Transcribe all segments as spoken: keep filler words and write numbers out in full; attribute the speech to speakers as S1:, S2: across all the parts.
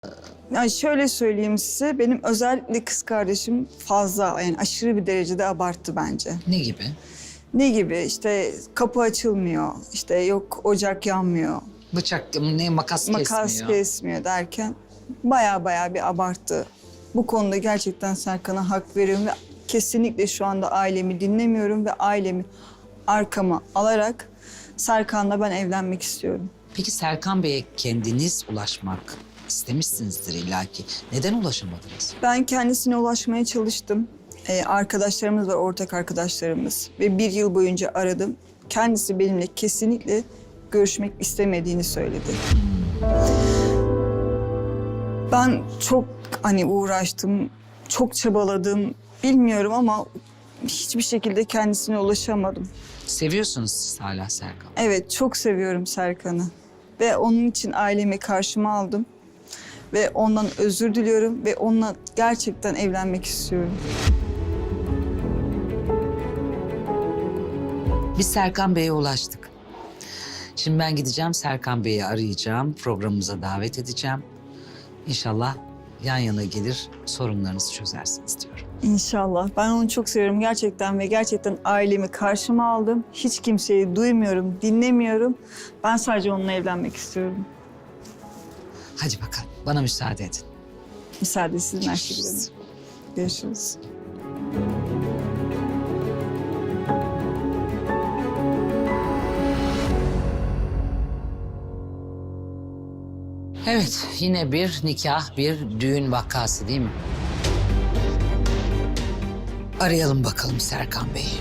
S1: Yani şöyle söyleyeyim size, benim özellikle kız kardeşim fazla, yani aşırı bir derecede abarttı bence.
S2: Ne gibi?
S1: Ne gibi? İşte kapı açılmıyor, işte yok ocak yanmıyor,
S2: Bıçak, ne makas,
S1: makas
S2: kesmiyor.
S1: kesmiyor derken baya baya bir abarttı. Bu konuda gerçekten Serkan'a hak veriyorum ve kesinlikle şu anda ailemi dinlemiyorum ve ailemi arkama alarak Serkan'la ben evlenmek istiyorum.
S2: Peki Serkan Bey'e kendiniz ulaşmak istemişsinizdir illaki. Neden ulaşamadınız?
S1: Ben kendisine ulaşmaya çalıştım. Ee, arkadaşlarımız var, ortak arkadaşlarımız. Ve bir yıl boyunca aradım. Kendisi benimle kesinlikle görüşmek istemediğini söyledi. Ben çok hani uğraştım, çok çabaladım. Bilmiyorum ama hiçbir şekilde kendisine ulaşamadım.
S2: Seviyorsunuz siz hala Serkan.
S1: Evet, çok seviyorum Serkan'ı. Ve onun için ailemi karşıma aldım. Ve ondan özür diliyorum ve onunla gerçekten evlenmek istiyorum.
S2: Biz Serkan Bey'e ulaştık. Şimdi ben gideceğim Serkan Bey'i arayacağım. Programımıza davet edeceğim. İnşallah yan yana gelir sorunlarınızı çözersiniz diyorum.
S1: İnşallah. Ben onu çok seviyorum gerçekten ve gerçekten ailemi karşıma aldım. Hiç kimseyi duymuyorum, dinlemiyorum. Ben sadece onunla evlenmek istiyorum.
S2: Hadi bakalım bana müsaade edin.
S1: Müsaade sizin Ayşegül Hanım. Görüşürüz.
S2: Evet, yine bir nikah, bir düğün vakası değil mi? Arayalım bakalım Serkan Bey'i.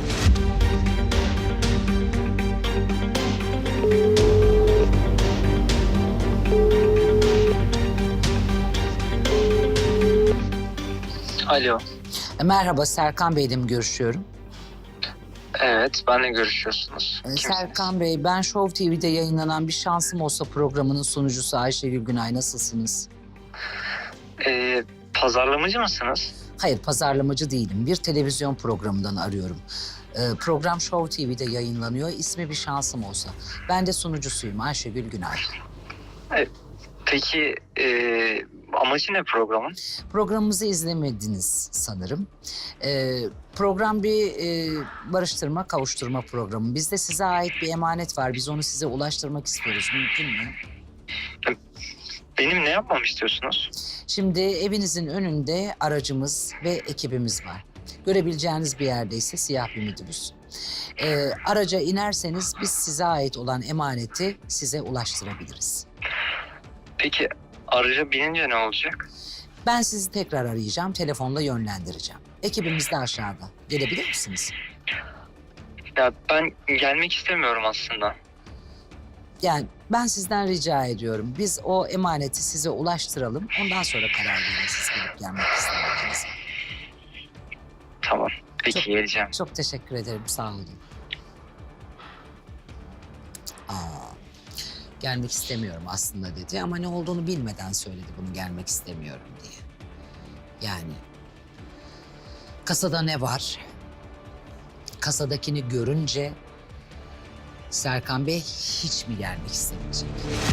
S3: Alo.
S2: E, Merhaba, Serkan Bey'le mi görüşüyorum?
S3: Evet, benle görüşüyorsunuz.
S2: E,
S3: Kimsiniz?
S2: Serkan Bey, ben Show T V'de yayınlanan Bir Şansım Olsa programının sunucusu Ayşegül Günay. Nasılsınız?
S3: Ee, pazarlamacı mısınız?
S2: Hayır, pazarlamacı değilim. Bir televizyon programından arıyorum. E, program Show T V'de yayınlanıyor. İsmi Bir Şansım Olsa. Ben de sunucusuyum Ayşegül Günay.
S3: Ee, peki ee, amacı ne programın?
S2: Programımızı izlemediniz sanırım. Ee, program bir e, barıştırma, kavuşturma programı. Bizde size ait bir emanet var. Biz onu size ulaştırmak istiyoruz. Mümkün mü?
S3: Benim ne yapmamı istiyorsunuz?
S2: Şimdi evinizin önünde aracımız ve ekibimiz var. Görebileceğiniz bir yerde ise siyah bir minibüs. Ee, araca inerseniz biz size ait olan emaneti size ulaştırabiliriz.
S3: Peki araca binince ne olacak?
S2: Ben sizi tekrar arayacağım, telefonla yönlendireceğim. Ekibimiz de aşağıda. Gelebilir misiniz?
S3: Ya ben gelmek istemiyorum aslında.
S2: Yani ben sizden rica ediyorum. Biz o emaneti size ulaştıralım. Ondan sonra karar verin siz gelip gelmek istemediğiniz.
S3: Tamam. Peki
S2: Çok-
S3: geleceğim.
S2: Çok teşekkür ederim. Sağ olun. Aa, gelmek istemiyorum aslında dedi ama ne olduğunu bilmeden söyledi bunu gelmek istemiyorum diye. Yani kasada ne var? Kasadakini görünce Serkan Bey hiç mi gelmek istemeyecek?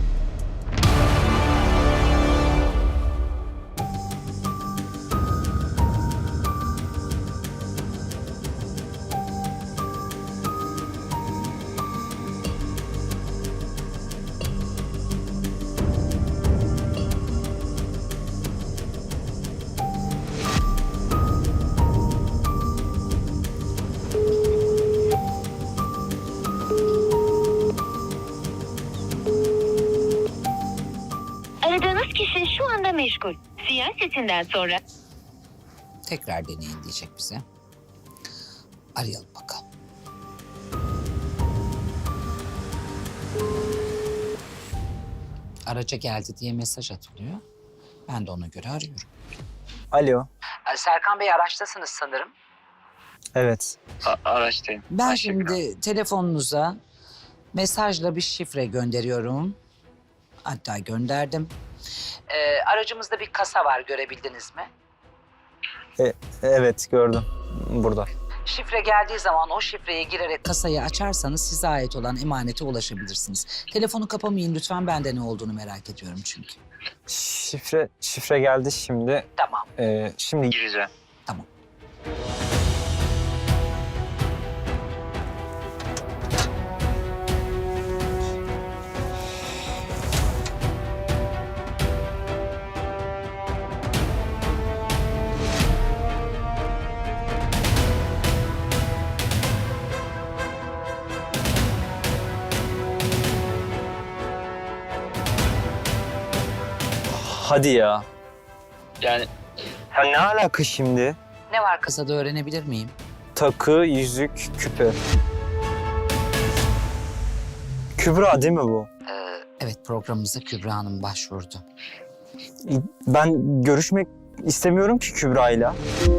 S4: Aradığınız kişi şu anda meşgul. Siyah sesinden sonra...
S2: Tekrar deneyin diyecek bize. Arayalım bakalım. Araca geldi diye mesaj atılıyor. Ben de ona göre arıyorum.
S5: Alo.
S2: Serkan Bey araçtasınız sanırım.
S5: Evet.
S3: A- araçtayım.
S2: Ben
S3: Ayşegül Hanım.
S2: şimdi telefonunuza mesajla bir şifre gönderiyorum. Hatta gönderdim. Ee, aracımızda bir kasa var, görebildiniz mi?
S5: E, evet gördüm. Burada.
S2: Şifre geldiği zaman o şifreye girerek kasayı açarsanız size ait olan emanete ulaşabilirsiniz. Telefonu kapamayın lütfen, ben de ne olduğunu merak ediyorum çünkü.
S5: Şifre şifre geldi şimdi.
S2: Tamam.
S5: Ee, şimdi
S3: Gireceğim.
S2: Tamam.
S5: hadi ya.
S3: Yani
S5: Ya ne alaka şimdi?
S2: Ne var kasada öğrenebilir miyim?
S5: Takı, yüzük, küpe. Kübra değil mi bu?
S2: Ee, evet, programımıza Kübra Hanım başvurdu.
S5: Ben görüşmek istemiyorum ki Kübra'yla.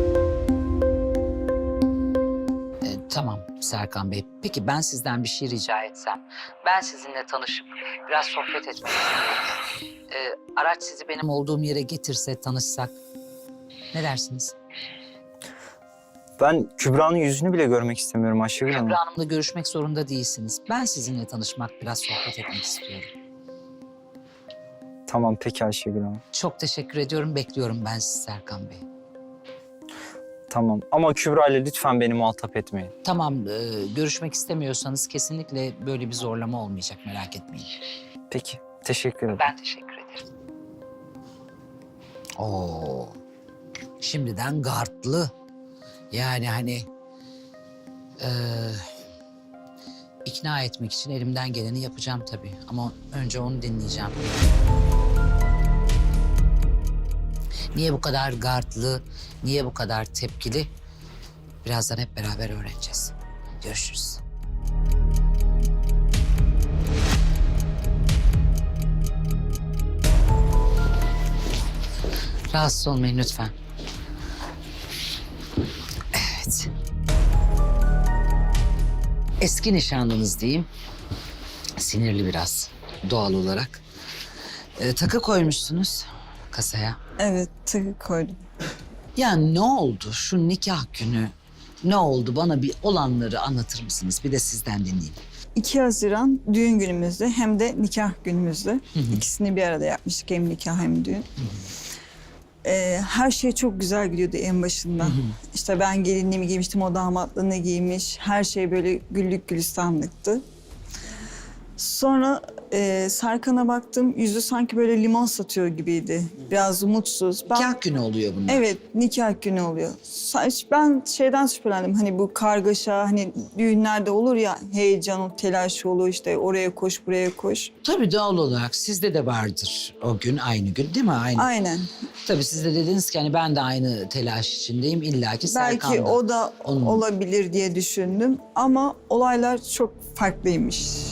S2: Ee, tamam Serkan Bey. Peki ben sizden bir şey rica etsem. Ben sizinle tanışıp biraz sohbet etmek istiyorum. Ee, araç sizi benim olduğum yere getirse, tanışsak. Ne dersiniz?
S5: Ben Kübra'nın yüzünü bile görmek istemiyorum Ayşegül Hanım.
S2: Kübra Hanım'la görüşmek zorunda değilsiniz. Ben sizinle tanışmak, biraz sohbet etmek istiyorum.
S5: Tamam peki Ayşegül Hanım.
S2: Çok teşekkür ediyorum. Bekliyorum ben sizi Serkan Bey.
S5: Tamam ama Kübra'yla lütfen beni muhatap etmeyin.
S2: Tamam, e, görüşmek istemiyorsanız kesinlikle böyle bir zorlama olmayacak. Merak etmeyin.
S5: Peki teşekkür ederim.
S2: Ben teşekkür ederim. Oo, şimdiden gardlı. Yani hani e, ikna etmek için elimden geleni yapacağım tabii. Ama önce onu dinleyeceğim. Niye bu kadar gardlı, niye bu kadar tepkili? Birazdan hep beraber öğreneceğiz. Görüşürüz. Rahatsız olmayın lütfen. Evet. Eski nişanlınız diyeyim. Sinirli biraz doğal olarak. Ee, takı koymuşsunuz kasaya.
S1: Evet, takı koydum.
S2: Ya ne oldu şu nikah günü? Ne oldu? Bana bir olanları anlatır mısınız? Bir de sizden dinleyeyim.
S1: iki Haziran düğün günümüzde hem de nikah günümüzde. İkisini bir arada yapmıştık, hem nikah hem düğün. Ee, her şey çok güzel gidiyordu en başından. İşte ben gelinliğimi giymiştim, o damatlığını giymiş. Her şey böyle güllük gülistanlıktı. Sonra e, Serkan'a baktım, yüzü sanki böyle limon satıyor gibiydi. Biraz mutsuz. Ben,
S2: Nikah günü oluyor bunlar.
S1: Evet, nikah günü oluyor. Sa- Ben şeyden şüphelendim, hani bu kargaşa, hani düğünlerde olur ya, heyecan, o telaş olur, işte oraya koş, buraya koş.
S2: Tabii doğal olarak sizde de vardır o gün, aynı gün değil mi? Aynı.
S1: Aynen.
S2: Tabii siz de dediniz ki hani ben de aynı telaş içindeyim. İlla ki Serkan
S1: Belki
S2: da.
S1: o da
S2: Onun-
S1: olabilir diye düşündüm ama olaylar çok farklıymış.